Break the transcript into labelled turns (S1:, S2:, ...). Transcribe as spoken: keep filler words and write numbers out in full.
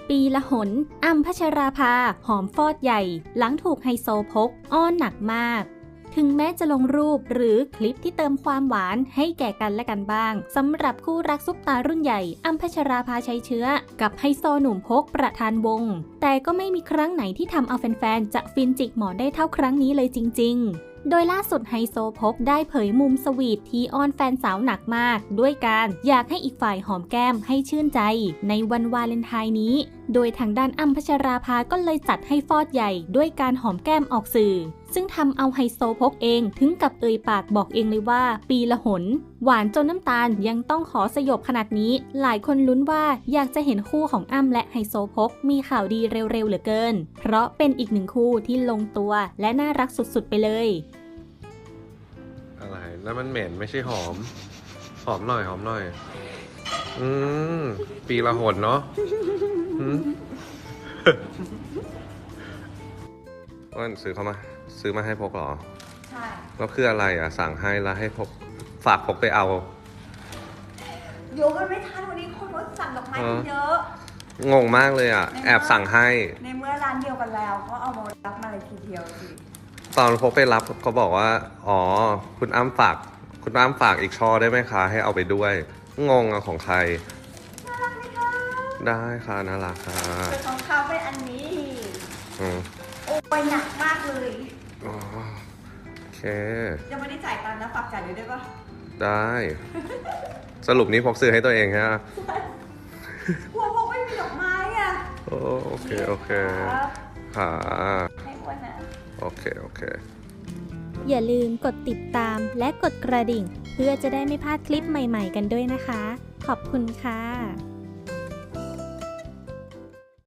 S1: ปีละหนอ้ำพัชราภาหอมฟอดใหญ่หลังถูกไฮโซพกอ้อนหนักมากถึงแม้จะลงรูปหรือคลิปที่เติมความหวานให้แก่กันและกันบ้างสำหรับคู่รักซุปตารุ่นใหญ่อ้ำพัชราภาชัยเชื้อกับไฮโซหนุ่มพกประธานวงแต่ก็ไม่มีครั้งไหนที่ทำเอาแฟนๆจะฟินจิกหมอนได้เท่าครั้งนี้เลยจริงๆโดยล่าสุดไฮโซพกได้เผยมุมสวีทที่อ้อนแฟนสาวหนักมากด้วยการอยากให้อีกฝ่ายหอมแก้มให้ชื่นใจในวันวาเลนไทน์นี้โดยทางด้านอ้ำพัชราภาก็เลยจัดให้ฟอดใหญ่ด้วยการหอมแก้มออกสื่อซึ่งทำเอาไฮโซพกเองถึงกับเอ่ยปากบอกเองเลยว่าปีละหนหวานจนน้ำตาลยังต้องขอสยบขนาดนี้หลายคนลุ้นว่าอยากจะเห็นคู่ของอ้ำและไฮโซพกมีข่าวดีเร็วๆเหลือเกินเพราะเป็นอีกหนึ่งคู่ที่ลงตัวและน่ารักสุดๆไปเลย
S2: อะไรแล้วมันเหม็นไม่ใช่หอมหอมหน่อยหอมหน่อยอืมปีละหนเนาะว่าซื้อเขามาซื้อมาให้พกเหรอใช่แล้วคืออะไรอ่ะสั่งให้แล้วให้พกฝากพกไปเอา
S3: โยกันไม่ทันวันนี้คนว่าสั่งดอกไม้เยอะ
S2: งงมากเลยอ่ะแอบสั่งให้
S3: ในเมื่อร้านเดียวกันแล้วก็เอามารับมาเลยทีเดียวสิ
S2: ตอนพกไปรับเขาบอกว่าอ๋อคุณอ้ำฝากคุณอ้ำฝากอีกช่อได้ไหมคะให้เอาไปด้วยงงอะของใคร
S3: น่ารักไหมคะ
S2: ได้ค่ะน่ารักค่ะ
S3: เป็นของเขาเป็นอันนี้
S2: อืม
S3: โอ้ยหนักมากเลย
S2: อ๋อโอเค
S3: ยังไม่ได้จ่ายตังค์นะฝากจ่ายเลยได้ปะ
S2: ได้สรุปนี้พกซื้อให้ตัวเองใช่ไหม
S3: กลัวพกไม่มีดอกไม้อ่ะ
S2: โอเคโอเคค่ะ
S3: ให้อ้วนนะ
S2: โอเคโอเค
S1: อย่าลืมกดติดตามและกดกระดิ่งเพื่อจะได้ไม่พลาดคลิปใหม่ๆกันด้วยนะคะขอบคุณค่ะ